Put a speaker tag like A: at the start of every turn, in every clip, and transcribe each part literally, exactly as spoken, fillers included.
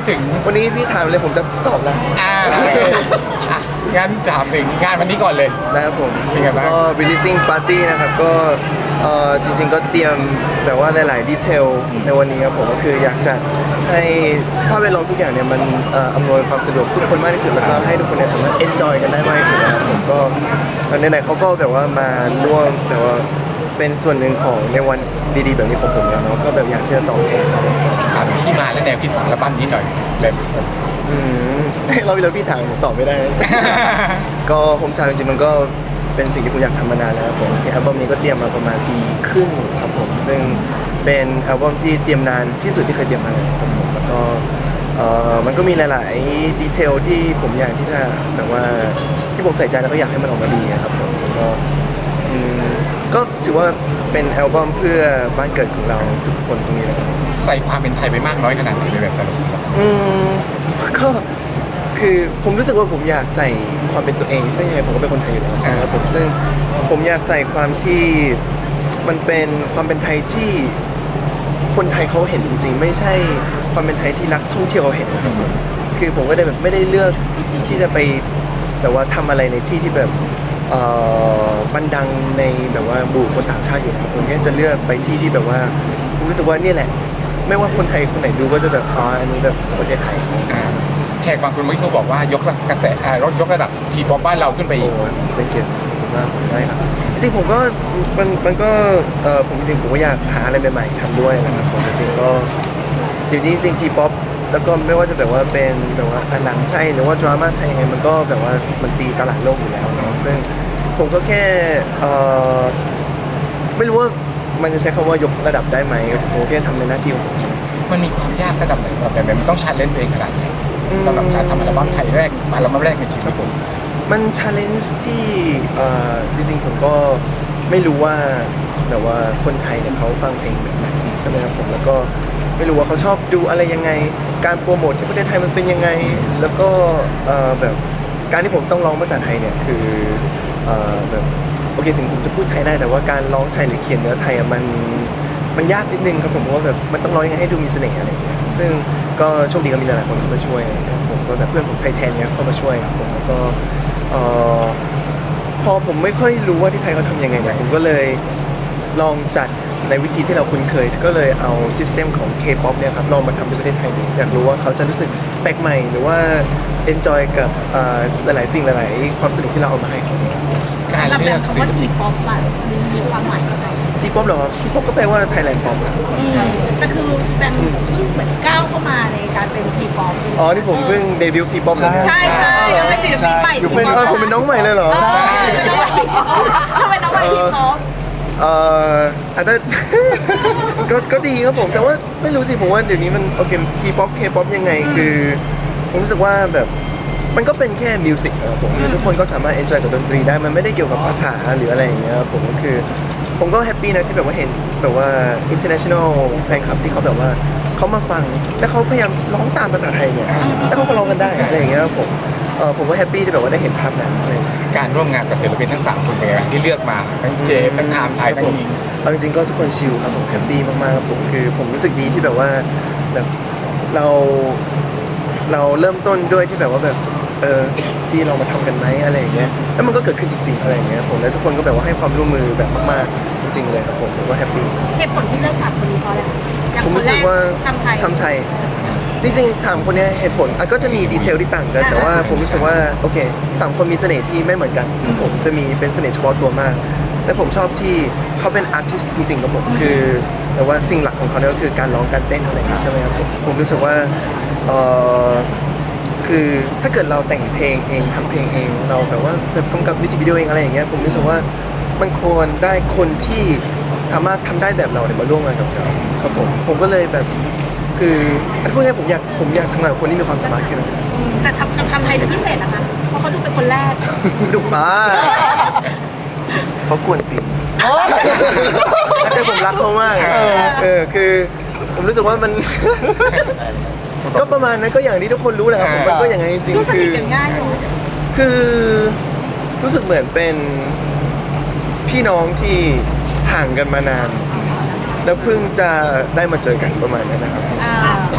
A: ถึง
B: วันนี้พี่ถามเลยผมจะตอบแล้ว
A: อ่าอ่ะงั้นถามถึงงานวันนี้ก่อนเลย
B: นะครับผม
A: เป็นไงบ้าง
B: ก็ releasing party นะครับก็เอ่อจริงๆก็เตรียมแบบว่าหลายๆดีเทลในวันนี้ครับผมก็คืออยากจะให้สภาพแวดล้อมทุกอย่างเนี่ยมันเอ่ออำนวยความสะดวกทุกคนมากที่สุดแล้วก็ให้ทุกคนเนี่ยสามารถ enjoy กันได้มากที่สุดนะครับผมก็ในไหนๆเขาก็แบบว่ามาร่วมแบบว่าเป็นส่วนหนึ่งของในวันดีๆแบบนี้ของผมแล้วเนาะก็แบบอยากที่จะตอบแทนครับผม
A: ถามถึงที่มาและแนวคิดของอัลบั้มนี้หน่อยแบบ
B: อืมเราไปแล้วพี่ถามผมตอบไม่ได้ ก็ผมถามจริงๆมันก็เป็นสิ่งที่ผมอยากทำมานานแล้วครับผมที่อัลบั้มนี้ก็เตรียมมาประมาณปีครึ่งครับผมซึ่งเป็นอัลบั้มที่เตรียมนานที่สุดที่เคยเตรียมมาเลยครับผมแล้วก็เอ่อมันก็มีหลายๆดีเทลที่ผมอยากที่จะแบบว่าที่ผมใส่ใจแล้วก็อยากให้มันออกมาดีครับผมแล้วก็อืมก็ถือว่าเป็นอัลบั้มเพื่อบ้านเกิดของเราทุกคนตรงนี้นะครับ
A: ใส่ความเป็นไทยไปมากน้อยขนาดไหนในแบบแต่ละคน
B: อืมก็คือผมรู้สึกว่าผมอยากใส่ความเป็นตัวเองซึ่งยังไงผมก็เป็นคนไทยอยู่แล้วใช่ไหมครับผมซึ่งผมอยากใส่ความที่มันเป็นความเป็นไทยที่คนไทยเขาเห็นจริงๆไม่ใช่ความเป็นไทยที่นักท่องเที่ยวเขาเห็นนะครับผมคือผมก็ได้แบบไม่ได้เลือกที่จะไปแต่ว่าทำอะไรในที่ที่แบบเอ่อบันดังในแบบว่าบูคนต่างชาติอยู่นะครับผมก็จะเลือกไปที่ที่แบบว่าผมรู้สึกว่านี่แหละไม่ว่าคนไทยคนไหนดูก็จะแบบอ๋ออันนี้แบบประเทศไทย
A: อ่าแขกบางคนเมื่อกี้เขาบอกว่ายกกระแสอ่ายกระดับทีป๊อปบ้านเราขึ้นไปอีก
B: โอ้เป็นเกียรติมากได้ครับจริงๆผมก็มันมันก็เออผมจริงๆผมก็อยากหาอะไรใหม่ๆทำด้วยนะครับผมจริงๆก็เดี๋ยวนี้จริงๆทีป๊อปแล้วก็ไม่ว่าจะแบบว่าเป็นแบบว่าหนังไทยหรือว่าดราม่าไทยยังไงมันก็แบบว่ามันตีตลาดโลกอยู่แล้วเนาะซึ่งผมก็แค่เออไม่รู้ว่ามันจะใช้คำว่ายกระดับได้ไหมผมแค่ทำในหน้าที่ของผม
A: มันมีความยากระดับไหนแบบไหนมันต้องชาเลนจ์ตัวเองขนาดไหนสำหรับการทำอัลบั้มไทยแรกอัลบั้มแรกในชีวิตผม
B: มันชาเลนจ์ที่เอ่อจริงๆผมก็ไม่รู้ว่าแต่ว่าคนไทยเนี่ยเขาฟังเพลงแบบไหนใช่ไหมครับผมแล้วก็ไม่รู้ว่าเขาชอบดูอะไรยังไงการโปรโมทที่ประเทศไทยมันเป็นยังไงแล้วก็เอ่อแบบการที่ผมต้องร้องภาษาไทยเนี่ยคือเอ่อแบบโอเคถึงผมจะพูดไทยได้แต่ว่าการร้องไทยหรือเขียนเนื้อไทยอะมันมันยากนิดนึงครับผมเพราะว่าแบบมันต้องร้องยังไงให้ดูมีเสน่ห์อะไรอย่างเงี้ยซึ่งก็โชคดีก็มีหลายๆคนเข้ามาช่วยนะครับผมก็แบบเพื่อนผมไทยแทนเนี่ยเข้ามาช่วยครับผมแล้วก็ เอ่อพอผมไม่ค่อยรู้ว่าที่ไทยเขาทำยังไงเนี่ยผมก็เลยลองจัดในวิธีที่เราคุ้นเคย ก็เลยเอาซิสเต็มของ K-pop เนี่ยครับลองมาทำที่ประเทศไทยดูอยากรู้ว่าเขาจะรู้สึกแปลกใหม่หรือว่า enjoy กับเอ่อหลายๆสิ่งหลายๆความสนุกที่เราเอามาให้เขา
A: การ
C: แล้ว
A: เลื
C: แบ
A: อก
C: บคำ
A: ศิ
C: ว่า
A: ล
C: ที
A: ปิน
C: ป๊อปอะมีความหมายยังไง
B: T-pop เหรอ T-pop ก็แปลว่า Thailand pop นะ
C: แต่คือเป็นเพิ่งเหมือนก้าวเข้ามาในการเป็นทีป๊อป
B: อ๋อที่ผมเพิ่งเดบิวต์ T-pop เลย
C: ใช่ใช่แล้วเป็นศิลปินใหม่
B: อยู่เป็นเออผมเป็นน้องใหม่เลยเหรอ
C: เออเป็นน้องใหม่ทีป๊อปทำไมน้องใหม่ทีป๊อป
B: เอ่ออาจจะ ก็ก็ดีครับผมแต่ว่าไม่รู้สิผมว่าเดี๋ยวนี้มันโอเคทีป๊อปเคป๊อปยังไงคือผมรู้สึกว่าแบบมันก็เป็นแค่มิวสิกนะครับผมทุกคนก็สามารถเอนจอยกับดนตรีได้มันไม่ได้เกี่ยวกับภาษาหรืออะไรอย่างเงี้ยครับผมก็คือผมก็แฮปปี้นะที่แบบว่าเห็นแบบว่า international แฟนคลับที่เขาแบบว่าเขามาฟังแล้วเขาพยายามร้องตามภาษาไทยเนี่ยแล้วเขาก็ร้องกันได้อะไรอย่างเงี้ยครับผมเออผมก็แฮปปี้ที่แบบว่าได้เห็นภาพนั้นอะไรอย่างเงี้ย
A: การร่วมงานกับศิลปินทั้งสามคนเป็นไงบ้างที่เลือกมาทั้งเจมส์ทั้งไทม์ไทยทั้งยิง
B: เอาจริงๆก็ทุกคนชิลครับผมแฮปปี้มากๆครับผมคือผมรู้สึกดีที่แบบว่าแบบเราเราเริ่มต้นด้วยที่แบบว่าแบบเออพี่เรามาทำกันไหมอะไรอย่างเงี้ยแล้วมันก็เกิดขึ้นจริงๆอะไรอย่างเงี้ยผมแล้วทุกคนก็แบบว่าให้ความร่วมมือแบบมากๆจริงๆเลยครับผมผมก็แฮปปี้
C: เหตุผลที่เลือกสามคนนี้เพราะอะไรอย่าง
B: ผม
C: คน
B: รู้
C: แร
B: สึก
C: ก
B: ว่า
C: ทำไทย
B: ทำไทยจริงๆถามคนเนี้ยเหตุผลอ่ะก็จะมีดีเทลที่ต่างกัน แต่ว่าผมรู้สึกว่าโอเคสามคนมีเสน่ห์ที่ไม่เหมือนกันผมจะมีเป็นเสน่ห์เฉพาะตัวมาก และผมชอบที่เขาเป็นอาร์ติสต์จริงๆครับผมคือแต่ว่าสิ่งหลักของเขาเนี่ยก็คือการร้องการเต้นอะไรอย่างนี้ใช่ไหมครับผมผมรู้สึกว่าเออคือถ้าเกิดเราแต่งเพลงเองทำเพลงเองเราแบบว่าแบบกำกับมิวสิกวิดีโอเองอะไรอย่างเงี้ยผมรู้สึกว่ามันควรได้คนที่สามารถทำได้แบบเราเนี่ยมาร่วมงานกับเราครับผมผมก็เลยแบบคืออันพูดง่ายๆผมอยากผมอยากทำงานกับคนที่มีความสามารถแค่นั้น
C: แต่ทำทำไทยจะพิเศษนะคะเพราะเขาดูเป็นคนแรก
B: ดุอ่าเขากวนตีนแต่ผมรักเขามากเออคือผมรู้สึกว่ามัน ก็ประมาณนั้นก็อย่างที่ทุกคนรู้แหละครับผมมันก็อย่างนั้นจริง
C: ดู
B: ๆ
C: ส
B: คื
C: นิ
B: อ
C: ทกันง่ายเลย
B: คือรู้สึกเหมือนเป็นพี่น้องที่ห่างกันมานาน แล้วเพิ่งจะได้มาเจอกันประมาณนั้นนะครับ
C: อ่า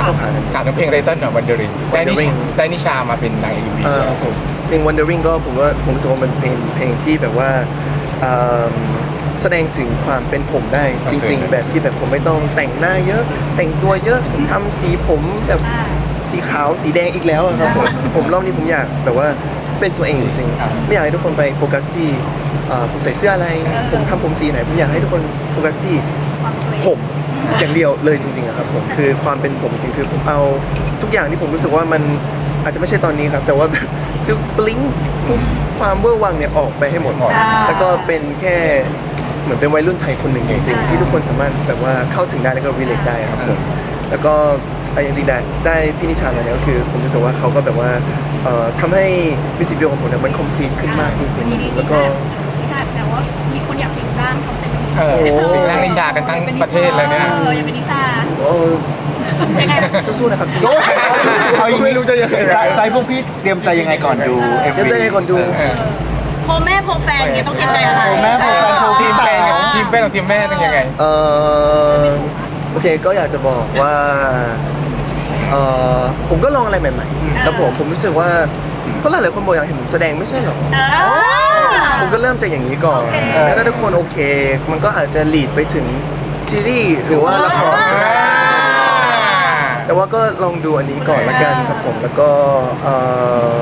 B: เข้าขากัน
A: การทำเพลงไตเติ้ลหน่อยวันเดอริงได้นิช
B: Wandering
A: ได้นิชามาเป็นนางเอ็มวี
B: อ่าครับผมจริง Wandering ก็ผมว่าผมรู้สึกว่ามันเป็นเพลงที่แบบว่าอ่าแสดงถึงความเป็นผมได้จริง ๆ แบบที่แบบผมไม่ต้องแต่งหน้าเยอะ แต่งตัวเยอะผมทำสีผมแบบสีขาวสีแดงอีกแล้วอะครับผมผมรอบนี้ผมอยากแบบว่าเป็นตัวเองจริงๆไม่อยากให้ทุกคนไปโฟกัสที่อ่าผมใส่เสื้ออะไร ผมทำผมสีไหนผมอยากให้ทุกคนโฟกัสที่ผมอย่างเดียวเลยจริงๆอะครับผมคือความเป็นผมจริงๆคือผมเอาทุกอย่างที่ผมรู้สึกว่ามันอาจจะไม่ใช่ตอนนี้ครับแต่ว่าแบบจะบลิงทุกความเวอร์วังเนี่ยออกไปให้หมด แล้วก็เป็นแค่เหมือนเป็นวัยรุ่นไทยคนหนึ่งจริงๆที่ทุกคนสามารถแบบว่าเข้าถึงได้แล้วก็ relate ได้ครับผมแล้วก็อ่ะจริงๆได้ได้พี่นิชามาเนี่ยก็คือผมรู้สึกว่าเขาก็แบบว่าเอ่อทำให้มิวสิกวิดีโอของผมเนี่ยมัน complete ขึ้นมากจริงๆแล้วก็
C: นิชาแต่ว่ามีคนอยากสิงร่างเขาเป็น
A: เออสิงร่างนิชากันทั้งประเทศเลยเนี่ย
C: เอออยากเป็นนิชา
B: โอ้
C: ยังไง
B: สู้ๆนะครับพี่
D: เอาอย่างนี้
B: ไม่รู้จะยังไง
D: ใจใจพวกพี่เตรียมใจยังไงก่อนดู เอ็ม
B: เดี๋ยว
D: วี
B: จะให้คนดู
A: เออ
C: โพแม่โพแฟนเนี่ยต้องเตรียมใจอะไร
D: โพแม่โพแฟนโพ
A: ทีมแป้งกับทีมแป้งกับทีมแม่ต้องยังไง
B: เอ่อโอเคก็อยากจะบอกว่าเอ่อผมก็ลองอะไรใหม่ๆแล้วผมผมรู้สึกว่าก็หลายๆคนบอกอยากเห็นผมแสดงไม่ใช่หรอ
C: เออ
B: ผมก็เริ่มจากอย่างนี้ก่อน
C: โอเค
B: แล้วถ้าทุกคนโอเค มันก็อาจจะลีดไปถึงซีรีส์หรือว่าละครก็ได้แต่ว่าก็ลองดูอันนี้ก่อนละกันครับผม แล้วก็เอ่อ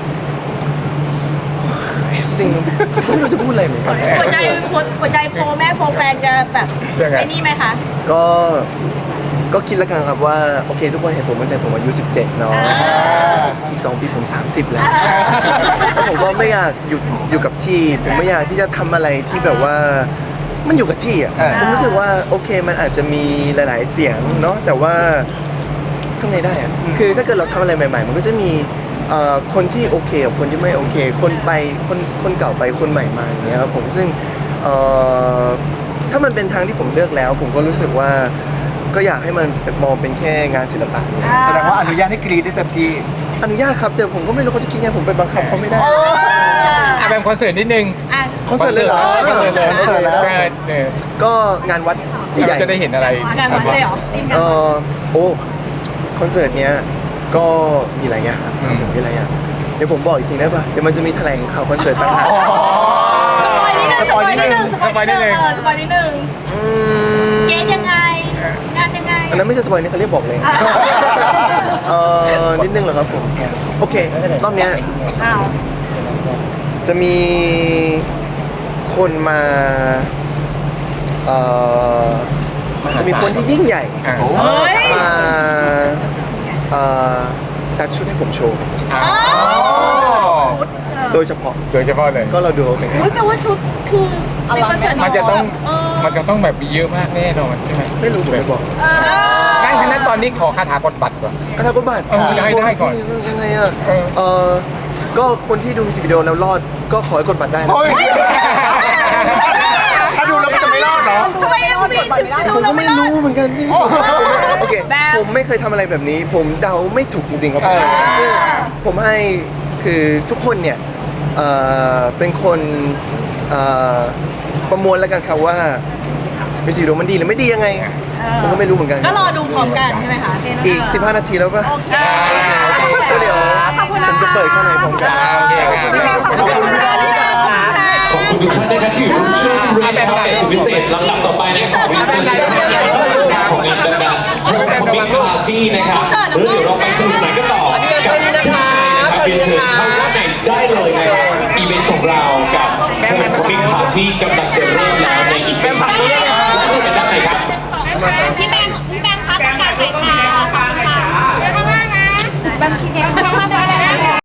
B: จริงๆไม่รู้จะพูดอะไรเหมือนกัน
C: หัวใจหัวใจโพแม่โพแฟนจะแบบ
A: ยังไง
C: ไอ้นี่ไหมคะ
B: ก็ ก็คิดแล้วกันครับว่าโอเคทุกคนเห็นผมตั้งแต่ผมอายุสิบเจ็ดเนาะ อีกสองปีผมสามสิบแล้ว แล้วผมก็ไม่อยากหยุดอยู่กับที่ ผมไม่อยากที่จะทำอะไรที่แบบว่ามันอยู่กับที่อ่ะ
D: อ่า
B: ผมรู้สึกว่าโอเคมันอาจจะมีหลาย ๆ เสียงเนาะแต่ว่าทำไงได้อ่ะคือถ้าเกิดเราทำอะไรใหม่ ๆ มันก็จะมีเอ่อคนที่โอเคกับคนที่ไม่โอเค คนไปคนคนเก่าไปคนใหม่มาอย่างเงี้ยครับผมซึ่งเอ่อถ้ามันเป็นทางที่ผมเลือกแล้ว ผมก็รู้สึกว่าก็อยากให้มันมองเป็นแค่งานศิลปะ
D: แสดงว่าอนุญาตให้กรีดได้เต็มที่
B: อนุญาตครับแต่ผมก็ไม่รู้เขาจะคิดไงผมไปบังคับเขาไม่ได้
A: อ่ะแบบคอนเสิร์ตนิดนึง
C: อ่ะ
B: คอนเสิร์ตเลยเหรอ
A: คอนเสิร์ตเลย
B: คอนเสิร์ตแล้ว
A: เออเออ
B: ก็งานวัดใหญ่
A: เราจะได้เห็นอะไร
C: งานวัดเลยเหรอทีมงาน
B: เอ
C: วัด
B: อโอ้คอนเสิร์ตเนี้ยก็มีหลายอย่างครับ
A: อืม
B: ผมมีหลายอย่างเดี๋ยวผมบอกอีกทีได้ป่ะเดี๋ยวมันจะมีแถลงข่าวคอนเสิร์ตต่างหาก
C: สปอยนิดนึงสปอยนิดนึงสปอยนิดนึงเออสปอยนิดนึง
B: อืม
C: เกณฑ์ยังไง งานยังไง
B: อันนั้นไม่ใช่สปอยนี่เขาเรียกบอกเลย
C: อ่า
B: เออนิดนึงเหรอครับผมโอเครอบเนี้ย
C: อ้าว
B: จะมีคนมาเอ่อจะมีคนที่ยิ่งใหญ่
A: อ่ะ
C: เฮ้ย
B: มาเอ่อตัดชุดให้ผมโชว์
A: อ๋อ
C: ชุดเออ
B: โดยเฉพาะ
A: โดยเฉพาะเลย
B: ก็เราดูโอเค
C: อุ๊ยแปลว่าชุดคือในคอนเสิร์ต
A: มันจะต้อง
C: เออ
A: มันจะต้องแบบมีเยอะมากแน่นอนใช่ไหม
B: ไม่รู้ผมไม่บอก
C: เออ
A: งั้นงั้นตอนนี้ขอคาถากดบัตรก่อน
B: กระทากบาท
A: เออยังไงได้ก่อน
B: ยังไงอ่ะ
A: เออ
B: เออก็คนที่ดูมิวสิกวิดีโอแล้วรอดก็ขอให้กดบัตรได้นะ
D: เฮ้ย ถ้าดูแล้วมันจะไม่รอดเหรอ
C: ทำไมยังมีถึงจะดู
B: ผม
C: เรา
B: ก็
C: ไม่
B: ไม่
C: รอด
B: รู้เหมือนกันพี่โอเค
C: แบบ
B: ผมไม่เคยทำอะไรแบบนี้ ผมเดาไม่ถูกจริงๆครับผม
D: อ่า
B: ซึ่งผมให้คือทุกคนเนี่ยเอ่อเป็นคนเอ่อประมวลแล้วกันครับว่ามิวสิกวิดีโอมันดีหรือไม่ดียังไง ผมก็ไม่รู้เหมือนกัน
C: ก็รอดูพร้อมกันใช่ไหมคะ
B: อีกสิบห้านาทีแล้วป่ะ
C: โอเค
B: ก็เดี๋ยว
C: ขอบคุณ
B: ผมจะเปิดข้างในพร้อมกัน
A: โอเคครับ
C: ขอบคุณค่ะ
E: ขอบคุณทุกท่านนะครับที่อยู่ร่วมช่วยเรียนนะครับในสุดพิเศษลำดับต่อไปนะครับขอเรียนเชิญทุกท่านนะครับเข้าสู่งานของงานดังๆโฮมคอมมิ่งปาร์ตี้นะครับแล้วเดี๋ยวเราไปสนุกสนานกันต่อกับด้านในนะครับเรียนเชิญเข้าด้านในได้เลยนะครับอีเวนต์ของเรากับโฮมคอมมิ่งปาร์ตี้กับ